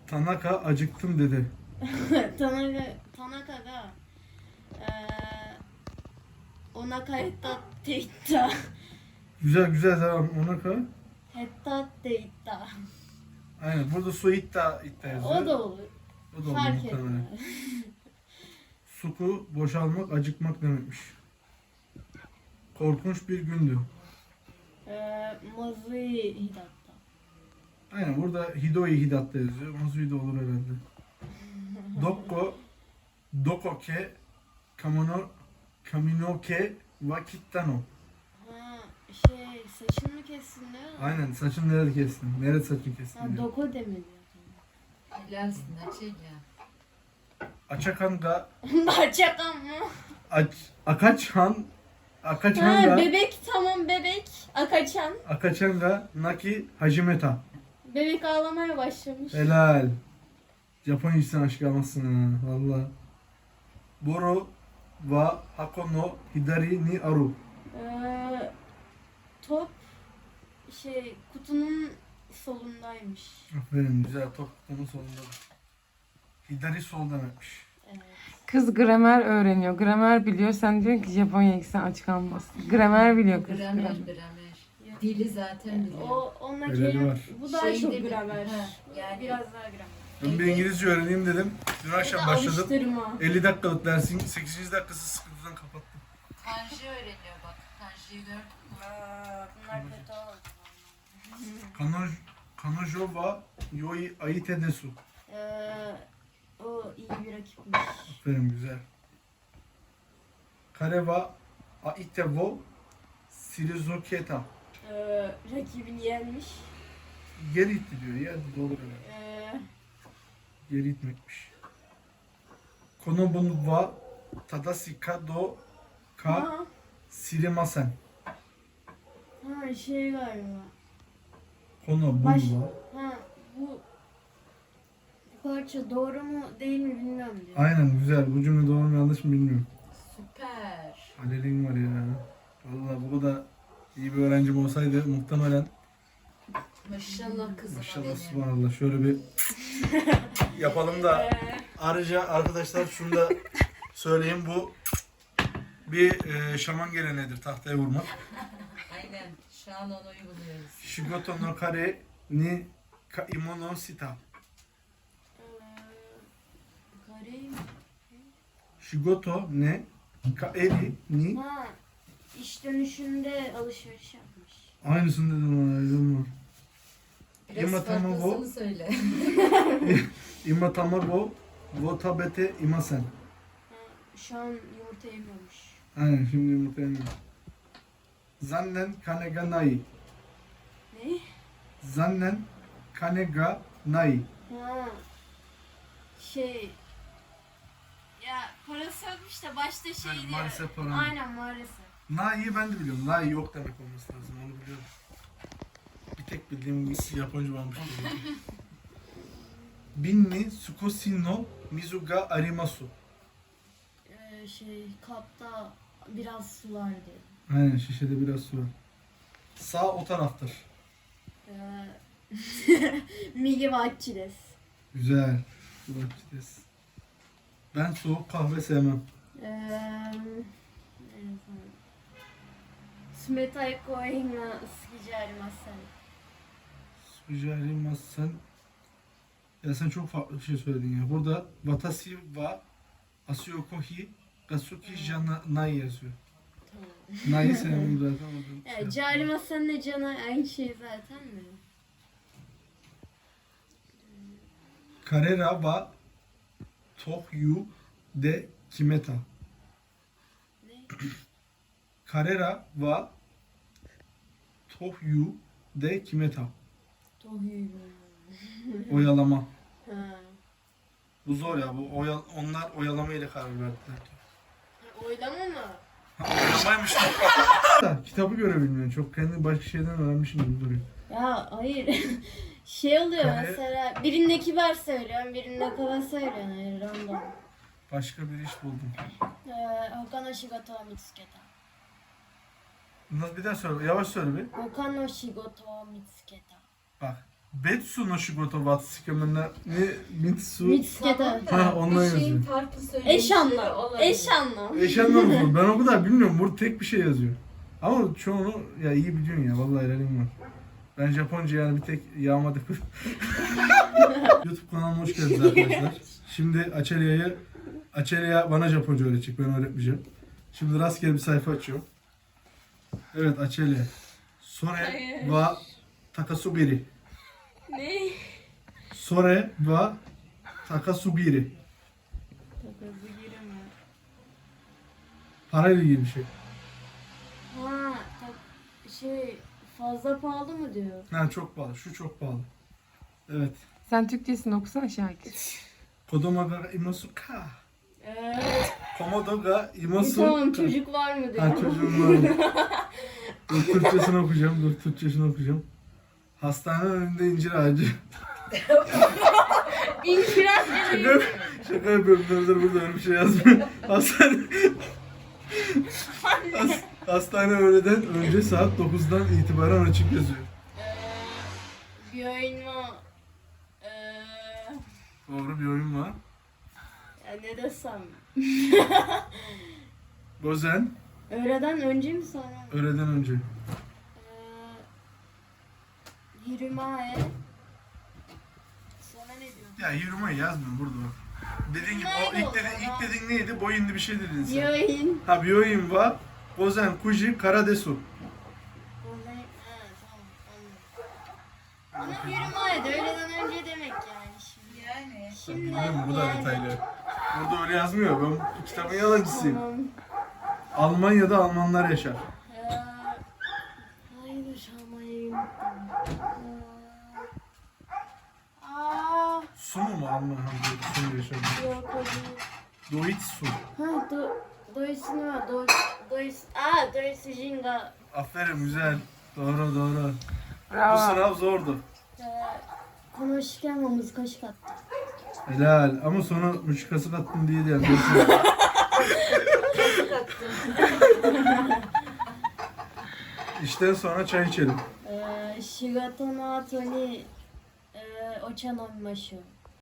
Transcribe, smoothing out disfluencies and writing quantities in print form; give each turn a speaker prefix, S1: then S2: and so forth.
S1: Tanaka acıktım dedi.
S2: Tanaka ga onaka hetatte itta.
S1: Güzel güzel devam. Onaka.
S2: Hetatte itta.
S1: Aynen. Burada su itta yazıyor.
S2: O da olur.
S1: O da olur
S2: Fark
S1: muhtemelen.
S2: etmez.
S1: Suku boşalmak, acıkmak demekmiş. Korkunç bir gündü.
S2: Mazui hidatta.
S1: Aynen burada Hidoi Hidatta yazıyor. Mazui de olur herhalde. Dokoke Kaminoke Wakittano.
S2: Ha, saçını mı kessin ne?
S1: Aynen saçını nerede kestin? Nerede saçını kestin?
S2: Ha,
S1: diyor.
S2: doko demedi.
S3: Helalsin Açenya.
S1: Açakan ga
S2: Bahçakan mı?
S1: Akaçhan
S2: Ha,
S1: ga
S2: bebek tamam bebek. Akaçan.
S1: Akaçhan ga Naki Hajimeta.
S2: Bebek ağlamaya başlamış.
S1: Helal. Japonya'yı aşık almazsın ha. Valla. Boru wa Hako no Hidari ni Aru.
S2: Top kutunun solundaymış.
S1: Aferin güzel top onun sonunda. Hidari sol demekmiş.
S2: Evet.
S4: Kız gramer öğreniyor. Gramer biliyor. Sen diyorsun ki Japonya'ya gitsen aç kalmazsın. Gramer biliyor kız.
S3: Gramer.
S2: Yok.
S3: Dili zaten biliyor.
S2: Onunla
S1: Öyle
S2: kelime,
S1: var.
S2: bu daha
S3: Şey
S2: çok
S3: de-
S2: gramer.
S3: Ha, yani-
S2: Biraz daha gramer.
S1: Ben bir İngilizce öğreneyim dedim. Dün akşam başladım.
S2: Alıştırma.
S1: 50 dakikalık dersin 8. dakikası sıkıntıdan kapattım.
S3: Kanji öğreniyor bak. Kanjiyi gördün mü?
S2: Bunlar kötü oldu.
S1: Kanojo wa Yoi Aite desu.
S2: O iyi bir rakipmiş.
S1: Aferin güzel. Kare wa Aite wo Shirizoketa.
S2: Rakibini yenmiş.
S1: Geri itti diyor. Yerde de olur herhalde. Geri itmekmiş. Konobun wa Tadasika do ka
S2: Ha,
S1: Sirimasen.
S2: galiba.
S1: Konobun
S2: Baş-
S1: wa.
S2: Ha, bu parça doğru mu değil mi bilmiyorum diyor.
S1: Aynen güzel. Bu cümle doğru mu yanlış mı bilmiyorum.
S3: Süper.
S1: Halil'in var ya. Vallahi bu da iyi bir öğrencim olsaydı muhtemelen
S3: Maşallah kızıma
S1: maşallah
S3: benim.
S1: subhanallah şöyle bir yapalım da ayrıca arkadaşlar şunu da söyleyeyim bu bir şaman geleneğidir tahtaya vurmak.
S3: Aynen. Şu an onu uyguluyoruz.
S1: Shigoto no kare ni kaimo no shita.
S2: Kare
S1: Shigoto ne kaeri ni
S2: Ha, iş dönüşünde alışveriş yapmış.
S1: aynısını dedim ona aydın var.
S3: Biraz
S1: Yumurtamı
S3: farklısını
S1: bu.
S3: söyle.
S1: Ima tamago wo tabete imasen.
S2: Ha, şu an yumurta yemiyormuş.
S1: Aynen şimdi yumurta yemiyor. Zannen kane ga nai.
S2: Ne?
S1: Zannen kane ga nai.
S2: Ha, ya parası yokmuş da başta
S1: Hani
S2: diyor.
S1: maalesef param yok.
S2: Aynen maalesef.
S1: Nai'yi ben de biliyorum. Nai yok demek olması lazım. Onu biliyorum. Bir tek bildiğim Japonca varmış. Binni Tsukoshi no Mizu ga arimasu.
S2: Kapta biraz su var diyor.
S1: Aynen şişede biraz su var. Sağ o taraftır.
S2: Migi wa achi desu.
S1: Güzel. Kulakçıdes. Ben soğuk kahve sevmem.
S2: Sumetai koin wa suki ji arimasen.
S1: Sujari masen. Ya sen çok farklı bir şey söyledin ya. Burada Watashi wa Asuyoko hi Gasuki jana nai yazıyor. Nai sevmem zaten.
S2: Ya ji arimasenle cana aynı şey zaten mi?
S1: Karera wa Tohyu de Kimeta.
S2: Ne?
S1: Karera wa Tohyu de Kimeta.
S2: Tohyu.
S1: Oyalama.
S2: Ha.
S1: Bu zor ya. Bu onlar oyalama ile karar verdiler.
S2: Oylama mı?
S1: Oyalamaymış. Kitabı görebilmiyorum. Çok kendi başka şeyden öğrenmişim gibi duruyor.
S2: Ya hayır. Oluyor
S1: Kare-
S2: mesela birinde kibar söylüyorum, birinde kaba söylüyorum. Hayır, random.
S1: Başka bir iş buldum.
S2: Hoka no shigoto wa mitsuketa.
S1: Bir daha söyle. Yavaş söyle bir.
S2: Hoka no shigoto wa mitsuketa.
S1: Bak. Betsu no shigoto wa tsukemen ne mitsu.
S2: Mitsuke'de.
S1: Ha, ondan
S3: Bir şeyin
S1: yazıyor.
S3: farklı söyleyişi
S2: Eş anlam.
S3: olabilir.
S2: Eş anlam.
S1: Eş anlamı. Ben o kadar bilmiyorum. Burada tek bir şey yazıyor. Ama çoğunu ya iyi biliyorsun ya. Vallahi helalim var. Ben Japonca yani bir tek yağmadık. YouTube kanalıma hoş geldiniz arkadaşlar. Şimdi Açelya'ya bana Japonca öğretecek. Ben öğretmeyeceğim. Şimdi rastgele bir sayfa açıyorum. Evet Açelya. Sore
S2: Hayır.
S1: wa takasubiri.
S2: Ne?
S1: Sore wa takasubiri.
S2: Takası giremem.
S1: Parayla ilgili bir şey.
S2: Ha, şey fazla pahalı mı diyor?
S1: Ha çok pahalı. Şu çok pahalı. Evet.
S4: Sen Türkçesini okusana Şakir.
S1: Kodomo ga imasu ka. Komodo ga imasu
S2: Tamam
S1: ka.
S2: çocuk var mı diyor.
S1: Ha çocuğum var mı? Dur Türkçesini okuyacağım. Dur Türkçesini okuyacağım. Hastanenin önünde incir ağacı.
S2: İnşirat
S1: Şaka, şaka yapıyorum. Dur burada öyle bir şey yazmıyor. Hastane öğleden önce saat 9'dan itibaren açık yazıyor.
S2: bir oyun var.
S1: Doğru bir oyun var.
S2: Ya ne desem.
S1: Bozen
S2: Öğleden önce mi sonra mı?
S1: öğleden önce.
S2: Yürüme. Sonra ne diyor?
S1: Ya yürümeyi yazmıyorum burada bak. Dediğin gibi o ilk dediğin neydi? Boyunlu bir şey dedin sen.
S2: Bir oyun.
S1: Ha bir oyun var. Bozen, Kuji, Karadesu.
S2: Tamam anladım. Ama yürüme öğleden önce demek yani şimdi.
S3: Yani.
S2: Şimdi
S1: Bilmiyorum bu da
S2: yani.
S1: detaylı. Burada öyle yazmıyor. Ben bu kitabın yalancısıyım.
S2: Tamam.
S1: Almanya'da Almanlar yaşar.
S2: Hayır Almanya'yı unuttum. Aa,
S1: Su mu Alman? Ha, su mu yaşar?
S2: yok o değil.
S1: Doitsu.
S2: Ha, Doysun var. Doysun Jinga.
S1: Aferin güzel. Doğru doğru. Bu
S4: Bravo.
S1: sınav zordu.
S2: Konuşurken難しかった.
S1: Helal. Ama sonra müşkası kattım diye de yani. İşten sonra çay içelim.
S2: 仕事の後にお茶飲みましょう。